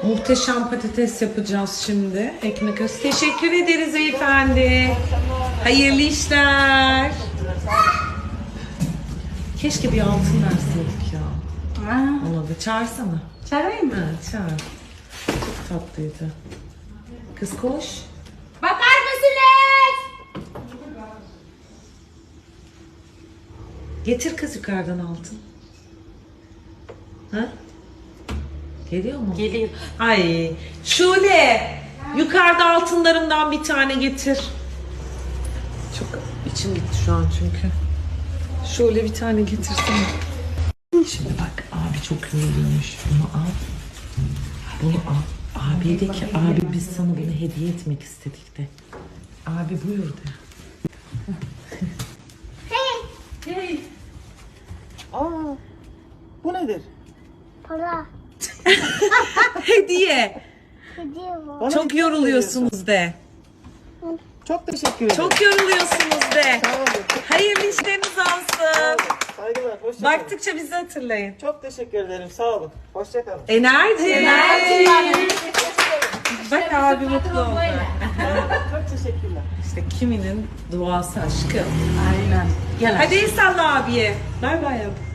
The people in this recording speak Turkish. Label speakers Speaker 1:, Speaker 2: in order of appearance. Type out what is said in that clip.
Speaker 1: Muhteşem patates yapacağız şimdi. Ekmek arası. Teşekkür ederiz beyefendi. Hayırlı işler. Keşke bir altın verseydik ya. Ona da çağırsana.
Speaker 2: Çağırayım mı?
Speaker 1: Ha, çağır. Çok tatlıydı. Kız koş.
Speaker 2: Bakar mısınız?
Speaker 1: Getir kız yukarıdan altın. Ha? Geliyor mu?
Speaker 2: Geliyor.
Speaker 1: Ay Şule, yukarıda altınlarımdan bir tane getir. Çok içim gitti şu an çünkü. Şule bir tane getirsene. Şimdi bak abi çok yoruluyormuş. Bunu al. Bunu al. Abi de ki abi biz sana bunu hediye etmek istedik de. Abi buyur de.
Speaker 2: Hey.
Speaker 3: Aa, bu nedir?
Speaker 4: Para.
Speaker 1: Hediye.
Speaker 4: Hediye var.
Speaker 3: Bana
Speaker 1: Çok
Speaker 3: hediye
Speaker 1: yoruluyorsunuz de.
Speaker 3: veriyorsun. Çok teşekkür ederim.
Speaker 1: Çok yoruluyorsunuz de.
Speaker 3: Sağ olun.
Speaker 1: Hayırlı işleriniz
Speaker 3: Sağ
Speaker 1: olsun.
Speaker 3: olun. Saygılar. Hoşça kalın.
Speaker 1: Baktıkça bizi hatırlayın.
Speaker 3: Çok teşekkür ederim. Sağ olun. Hoşça kalın.
Speaker 1: Enerji. Bak abi mutlu oldu.
Speaker 3: Çok teşekkürler.
Speaker 1: İşte kiminin duası aşkı.
Speaker 2: Aynen. Gel.
Speaker 1: Hadi el salla abiye. Bay bay yap.